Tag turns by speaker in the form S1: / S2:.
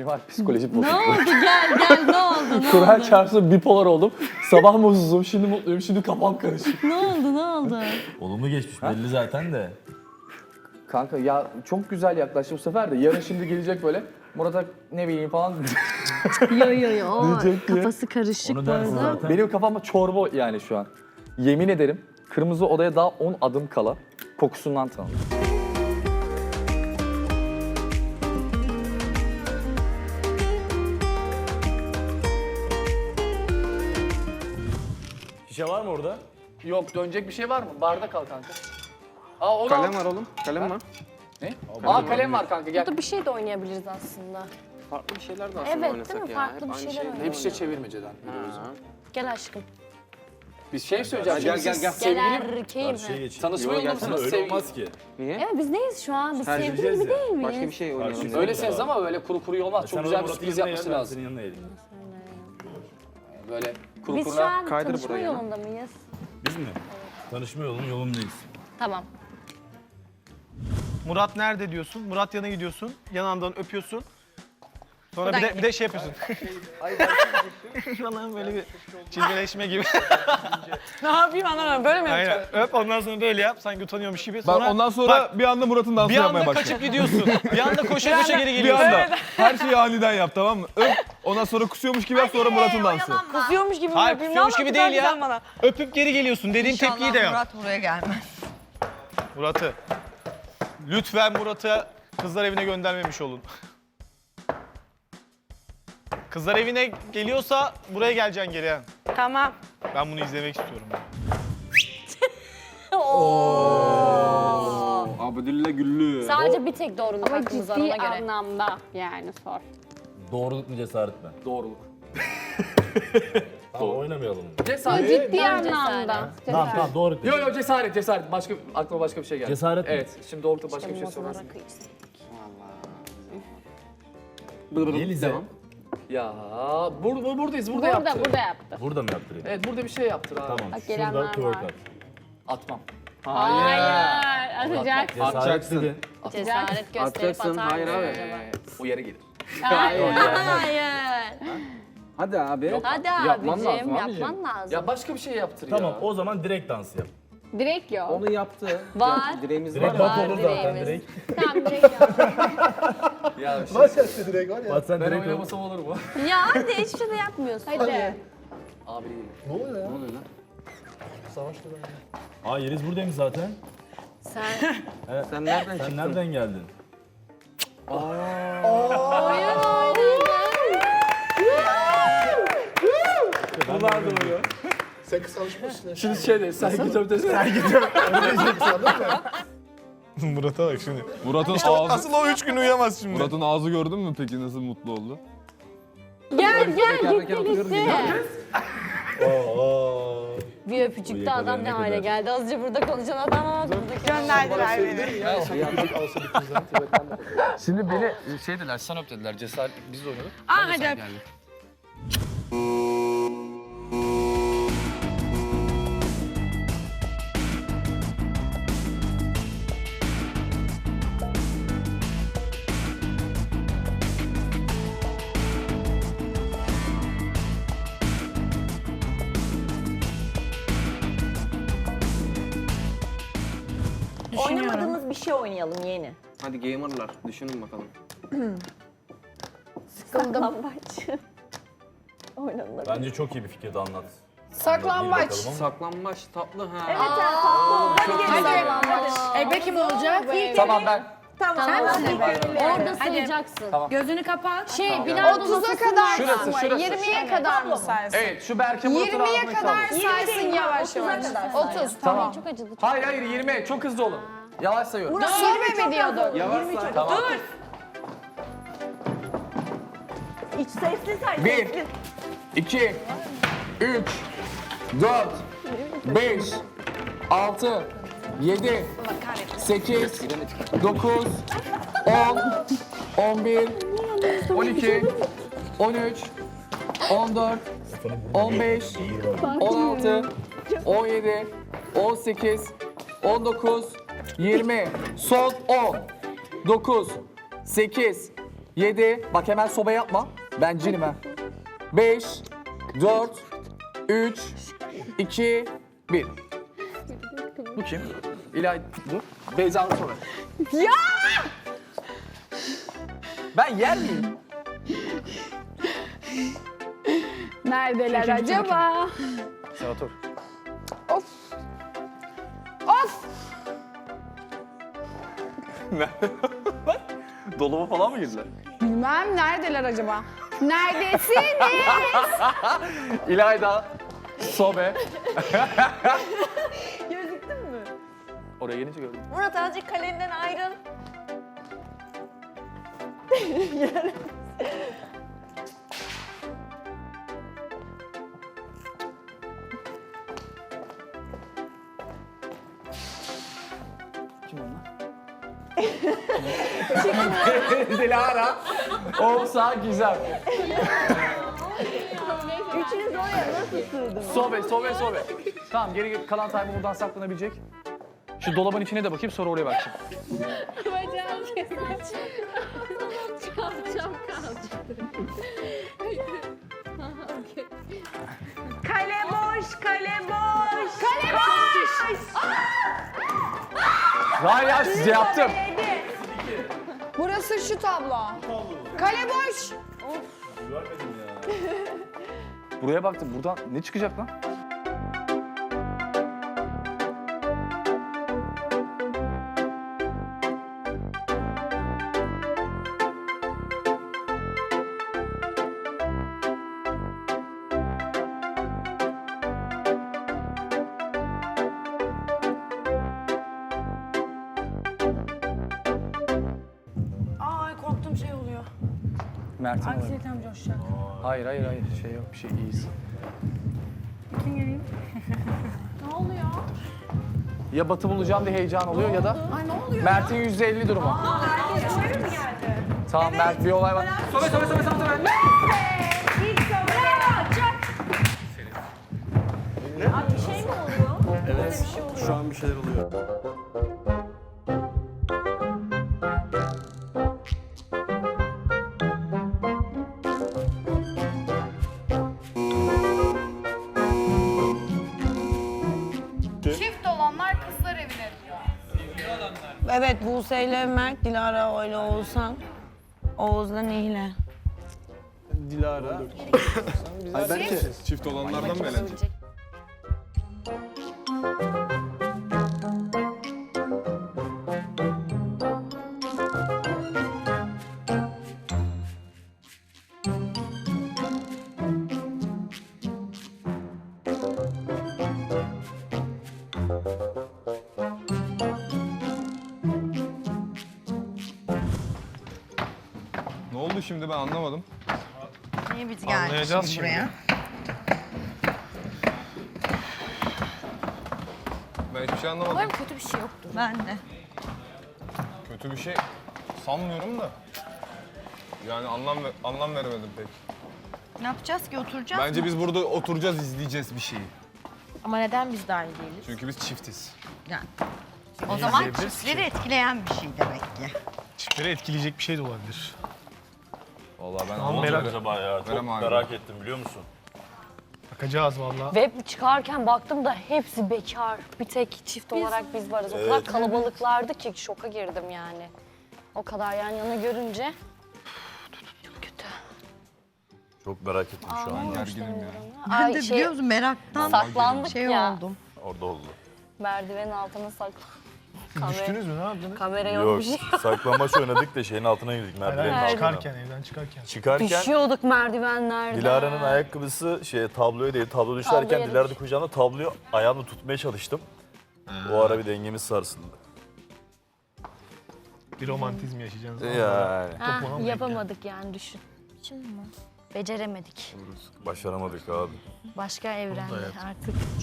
S1: Kemal psikolojik
S2: Ne
S1: bozukluğu.
S2: oldu? Gel ne oldu? Ne
S1: Kur'an
S2: oldu?
S1: çarpsın bipolar oldum. Sabah mutsuzum, şimdi mutluyum, şimdi kafam karışık.
S2: Ne oldu?
S3: Olumlu geçmiş belli zaten de.
S1: Kanka ya çok güzel yaklaştı bu sefer de. Yarın şimdi gelecek böyle. Murat'a ne bileyim falan.
S2: Yo.
S1: Diyecek diye.
S2: Kafası karışık
S3: Onu
S2: bu
S3: dersin
S2: arada.
S3: zaten.
S1: Benim kafamda çorba yani şu an. Yemin ederim kırmızı odaya daha 10 adım kala kokusundan tanıdım.
S3: Şişe var mı orada?
S1: Yok dönecek bir şey var mı? Barda kal kanka. Aa o
S4: Kalem var oğlum. Kalem var.
S1: Ne? Aa kalem var kanka gel.
S5: Burada bir şey de oynayabiliriz aslında.
S4: Farklı bir şeyler de aslında
S5: Evet,
S4: oynasak
S5: değil mi?
S4: ya.
S5: Farklı
S4: Hep
S5: bir
S4: aynı
S5: şeyler
S4: şey.
S5: oynayalım.
S1: Hep şey çevirmeceden.
S5: Gel aşkım.
S1: Bir şey söyleyeceğim.
S4: Gel,
S1: Şimdi
S4: gel,
S1: siz
S4: gel.
S1: Sevgili
S5: Erkeğim.
S3: Karşıya geçin.
S1: tanışma
S4: Yo,
S1: yolunda
S4: gelsene,
S1: mısınız?
S3: Öyle
S1: Sevgili.
S3: olmaz ki.
S4: Niye?
S5: Evet biz neyiz şu an? Biz
S3: Tercih
S5: sevgili
S3: edeceğiz
S5: gibi
S3: ya.
S5: değil miyiz?
S4: Başka bir şey oynayalım.
S3: Karşı-
S4: ya.
S1: Öylesiniz ama böyle kuru kuru olmaz.
S3: Sen
S1: Çok güzel bir
S3: Murat'ın
S1: sürpriz
S3: yanına
S1: yapması
S3: gel, ben
S1: lazım.
S3: senin yanına eğilim.
S1: Böyle kuru
S5: Biz şu
S1: kuruna.
S5: an
S4: Kaydır
S5: tanışma
S4: buraya.
S5: yolunda mıyız?
S3: Biz mi? Tanışma yolundayız.
S5: Tamam.
S6: Murat nerede diyorsun? Murat yanına gidiyorsun. Yanağından öpüyorsun. Sonra
S5: Buradan
S6: bir de şey yapıyorsun. Falan böyle bir cilveleşme gibi.
S7: Ne yapayım anlamadım. Böyle mi yapacağım?
S6: Aynen. Öp ondan sonra böyle yap. Sanki utanıyormuş gibi.
S8: Ben
S6: Sonra
S8: ondan sonra
S6: bak,
S8: bir anda Murat'ın dansını
S6: bir
S8: yapmaya
S6: anda
S8: başladım.
S6: kaçıp gidiyorsun. Bir anda koşa koşa geri
S8: Bir
S6: geliyorsun.
S8: anda. Her şeyi aniden yap, tamam mı? Öp, ondan sonra kusuyormuş gibi yap, sonra Murat'ın dansı.
S7: Kusuyormuş gibi mi
S6: Hayır,
S7: yapayım?
S6: kusuyormuş
S7: Ne
S6: gibi
S7: anlatıyorsun
S6: değil ya.
S7: sen bana?
S6: Öpüp geri geliyorsun. Dediğim tepkiyi de yap.
S7: Murat buraya gelmez.
S6: Murat'ı. Lütfen Murat'ı kızlar evine göndermemiş olun. Kızlar evine geliyorsa buraya geleceksin geri. ha.
S7: Tamam.
S6: Ben bunu izlemek istiyorum.
S4: Abdülillah Güllü.
S5: Sadece bir tek doğruluk
S9: Ama
S5: hakkımız var ona
S9: ciddi
S5: göre.
S9: anlamda yani sor.
S3: Doğruluk mu cesaret mi?
S1: Doğruluk.
S3: Tamam oynamayalım.
S1: Cesaret.
S9: Ciddi
S5: Bence
S9: anlamda.
S3: Tamam doğru.
S1: Yo yo cesaret. Başka aklıma başka bir şey geldi.
S3: Cesaret mi?
S1: Evet. Şimdi doğrulukta başka bir şey
S5: Motorlara
S1: sorarsın.
S5: kıyız.
S3: Yelize.
S4: Devam.
S1: Ya buradayız. Burada
S9: Burada
S1: yaptı.
S9: yaptı.
S3: Burada mı yaptırayım?
S1: Evet burada bir şey yaptır abi.
S3: Tamam.
S9: Bak,
S3: Şurada
S9: gelenler
S3: twerk
S9: var.
S3: at.
S1: Atmam.
S9: Hayır. Atacak.
S3: Cesaret
S4: Atacaksın.
S3: dedin.
S5: Cesaret gösterip
S4: Atacaksın,
S5: atar
S4: hayır
S5: mısın
S4: abi.
S5: acaba?
S1: O yere gelir.
S5: Hayır.
S4: Hadi abi.
S5: Hadi
S4: Yapman lazım
S5: abicim
S4: abicim.
S5: yapman lazım.
S1: Ya başka bir şey yaptır
S3: Tamam
S1: ya.
S3: o zaman direkt dans yap.
S9: Direkt yok.
S4: Onu yaptı.
S5: Var.
S4: Direğimiz var.
S3: Direkt
S5: Var,
S3: bak olur zaten
S5: direğimiz.
S3: direkt.
S9: Tamam direkt yok.
S1: Ya
S3: Bak sen
S1: ben
S3: direkt ol.
S1: oynamasam olur mu?
S5: Ya hadi hiçbir şey de yapmıyorsun.
S9: Hadi.
S1: Abi değil.
S4: Ne oluyor lan?
S3: Aa Yeliz buradaymış zaten.
S5: Sen
S4: Sen nereden
S3: Sen
S4: çıktın?
S3: nereden geldin?
S1: Şimdi şey de sergi töptesi.
S6: Murat'a bak şimdi.
S8: Murat'ın ağzı,
S6: Asıl o 3 gün uyuyamaz şimdi.
S8: Murat'ın ağzı gördün mü peki nasıl mutlu oldu?
S9: Gel
S4: Tekerleken oturuyoruz ya.
S5: bir öpücükte adam ne hale geldi. Azıcık burada konuşan adam ama buradaki
S7: Gönderdiler beni.
S1: Şimdi beni şey dediler, sen öp dediler. Cesaret biz de oynadık.
S7: Aa hadi öp.
S10: Oynamadığımız bir şey oynayalım yeni.
S4: Hadi gamerlar. Düşünün bakalım.
S10: Saklambaç. Oynanılır.
S3: Bence çok iyi bir fikirdi anlat.
S7: Saklambaç.
S4: Saklambaç tatlı ha.
S10: Evet ya tatlı.
S5: Hadi.
S7: Ebe kim olacak?
S1: Tamam ben.
S10: Tamam.
S5: Orada sayacaksın.
S7: Gözünü kapat.
S5: Şey bilardo
S7: 30'a
S5: masasında.
S7: kadar
S1: Şurası,
S7: mı?
S1: şurası.
S7: 20'ye kadar mı saysın?
S1: Evet şu Berke Murat'ın
S7: 20'ye
S1: ağzına
S7: kadar
S1: kaldı.
S7: saysın yavaş yavaş. 30.
S1: Tamam.
S5: Çok acıdı.
S1: Hayır 20. Çok hızlı olun. Yavaş sayıyorum.
S7: Sonra mi diyordun?
S4: Yavaş say.
S1: Tamam.
S10: İç sesli say.
S1: 1, 2, 3, 4, 5, 6, 7, 8, 9, 10, 11, 12, 13, 14, 15, 16, 17, 18, 19, 20, son 10, 9, 8, 7. Bak hemen soba yapma. Ben cinim ha. 5, 4, 3, 2, 1. Bu kim? İlay dur. Beyza'nın soru.
S7: Ya!
S1: Ben yer miyim?
S7: Neredeler acaba?
S1: Sen otur.
S7: Of. Of.
S1: Dolaba falan mı girdiler?
S7: Bilmem neredeler acaba? Neredesiniz?
S1: İlayda, sobe.
S10: Gözüktün mü?
S1: Oraya gelince gördüm.
S10: Murat azıcık kalenden ayrıl.
S1: Kim onlar? Dilara. Olsa güzel.
S10: Üçünüz oraya nasıl sığdınız?
S1: Sobe. Tamam geri kalan time buradan saklanabilecek. Şu dolabın içine de bakayım sonra oraya bakacağım.
S9: Bacağım kalacağım.
S10: Kale boş, kale boş.
S7: Kale boş!
S1: Hayır ya size yaptım.
S7: Burası şu tablo. Kale boş.
S1: Buraya baktım. Buradan ne çıkacak lan?
S7: Ay korktum şey oluyor.
S1: Mert'in olabilir.
S7: Anksiyetem coşacak.
S1: Hayır. Şey yok bir şey iyiyiz.
S7: Ne oluyor?
S1: Ya Batı bulacağım diye heyecan oluyor ya da
S7: Ay ne oluyor?
S1: Mert'in %50 durumu. Tamam Mert bir olay var. Sobe.
S10: İlk soruya çak. Abi bir şey mi oluyor?
S3: Evet. Şu an bir şeyler oluyor.
S7: Çift olanlar kızlar evine diyor.
S5: Evet Buse ile Mert, Dilara ile Oğuzhan. Oğuz'la Nihle.
S8: Dilara. Ay belki çift olanlardan mı eğlenecek? Ne oldu şimdi ben anlamadım.
S5: Niye biz
S6: Anlayacağız şimdi.
S8: Ben hiçbir şey anlamadım.
S5: Umarım kötü bir şey yoktur. Ben de.
S8: Kötü bir şey sanmıyorum da. Yani anlam veremedim pek.
S5: Ne yapacağız ki oturacağız
S8: Bence biz burada oturacağız, izleyeceğiz bir şeyi.
S5: Ama neden biz dahil değiliz?
S8: Çünkü biz çiftiz.
S5: O zaman çiftleri etkileyen bir şey demek ki.
S6: Çiftleri etkileyecek bir şey de olabilir.
S8: Vallahi ben
S6: Tamam, merak-
S3: Acaba ya çok
S8: Verem abi.
S3: merak ettim biliyor musun?
S6: Bakacağız vallahi.
S2: Ve çıkarken baktım da hepsi bekar. Bir tek çift olarak biz varız. O kadar kalabalıklardı ki şoka girdim yani. O kadar yan yana görünce. Çok kötü.
S3: Çok merak ettim şu an.
S8: gerginim ya.
S2: Ben de biliyor musun
S5: meraktan
S2: saklandık ya.
S5: oldum.
S3: Orada oldu.
S2: Merdivenin altına saklandık.
S6: Düştünüz mü ne yaptınız?
S2: Kamera
S3: Yok
S2: yokmuş.
S3: saklambaç oynadık da şeyin altına girdik merdivenin
S6: Hayır,
S3: altına.
S6: çıkarken evden çıkarken.
S3: Çıkarken
S2: Düşüyorduk merdivenlerden.
S3: Dilara'nın ayakkabısı tabloya değil, tablo düşerken
S2: Tabloya
S3: Dilara da kucağında tabloyu ayağımla tutmaya çalıştım. O ara bir dengemiz sarsıldı.
S6: Bir romantizm yaşayacaksınız.
S3: Yani
S2: Ha,
S6: Topuğuna mı
S2: yapamadık yani düşün. Şimdi mi? Beceremedik.
S3: başaramadık abi.
S2: Başka evrende artık.